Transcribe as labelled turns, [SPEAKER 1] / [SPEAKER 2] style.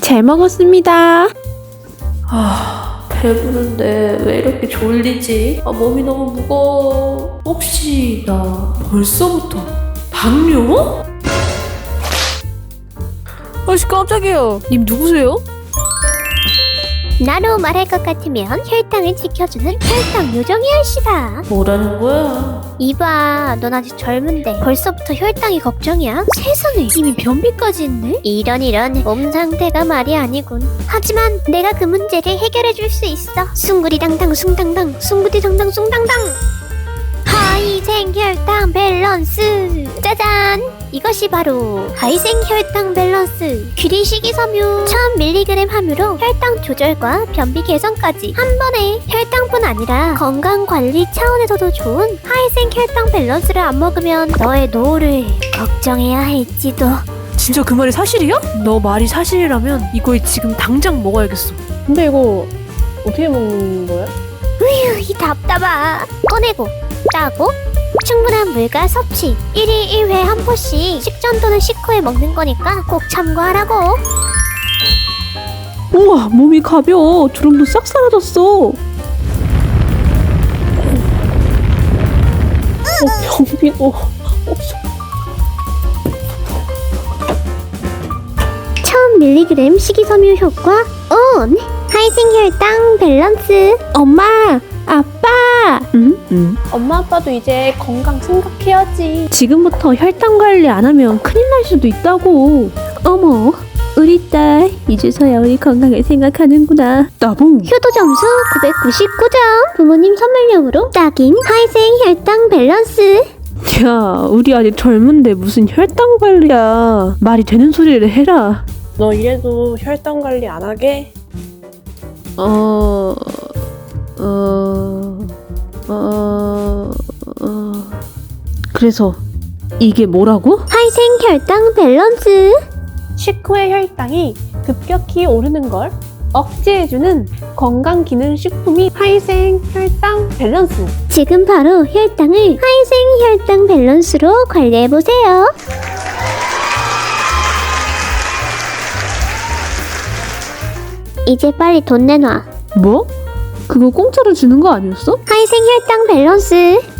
[SPEAKER 1] 잘 먹었습니다.
[SPEAKER 2] 배부른데 왜 이렇게 졸리지? 몸이 너무 무거워. 혹시 나 벌써부터 당뇨? 아씨 깜짝이야. 님 누구세요?
[SPEAKER 3] 나로 말할 것 같으면 혈당을 지켜주는 혈당 요정이 할시다.
[SPEAKER 2] 뭐라는 거야?
[SPEAKER 3] 이봐, 넌 아직 젊은데 벌써부터 혈당이 걱정이야? 세상에, 이미 변비까지 있네? 이런 몸 상태가 말이 아니군. 하지만 내가 그 문제를 해결해 줄 수 있어. 숭구리당당 숭당당 숭구리당당 숭당당. 하이생 혈당 밸런스. 짜잔! 이것이 바로 하이생 혈당 밸런스. 귀리 식이섬유 1000mg 함유로 혈당 조절과 변비 개선까지 한 번에. 혈당뿐 아니라 건강 관리 차원에서도 좋은 하이생 혈당 밸런스를 안 먹으면 너의 노후를 걱정해야 할지도.
[SPEAKER 2] 진짜 그 말이 사실이야? 너 말이 사실이라면 이거 지금 당장 먹어야겠어.
[SPEAKER 1] 근데 이거 어떻게 먹는 거야?
[SPEAKER 3] 으휴, 이 답답아. 꺼내고 따고 충분한 물과 섭취 1일 1회 한 포씩 식전 또는 식후에 먹는 거니까 꼭 참고하라고.
[SPEAKER 1] 우와, 몸이 가벼워. 주름도 싹 사라졌어. 변비도
[SPEAKER 3] 1000mg 식이섬유 효과 온. 하이생 혈당 밸런스.
[SPEAKER 1] 엄마, 아빠. 엄마 아빠도 이제 건강 생각해야지. 지금부터 혈당 관리 안 하면 큰일 날 수도 있다고. 어머, 우리 딸 이제서야 우리 건강을 생각하는구나. 나봉.
[SPEAKER 3] 효도 점수 999점. 부모님 선물용으로 딱인 하이생 혈당 밸런스.
[SPEAKER 1] 야, 우리 아직 젊은데 무슨 혈당 관리야. 말이 되는 소리를 해라.
[SPEAKER 4] 너 이래도 혈당 관리 안 하게?
[SPEAKER 1] 그래서 이게 뭐라고?
[SPEAKER 3] 하이생 혈당 밸런스.
[SPEAKER 4] 식후의 혈당이 급격히 오르는 걸 억제해주는 건강기능식품이 하이생 혈당 밸런스.
[SPEAKER 3] 지금 바로 혈당을 하이생 혈당 밸런스로 관리해보세요. 이제 빨리 돈 내놔.
[SPEAKER 1] 뭐? 그거 공짜로 주는 거 아니었어?
[SPEAKER 3] 하이생 혈당 밸런스.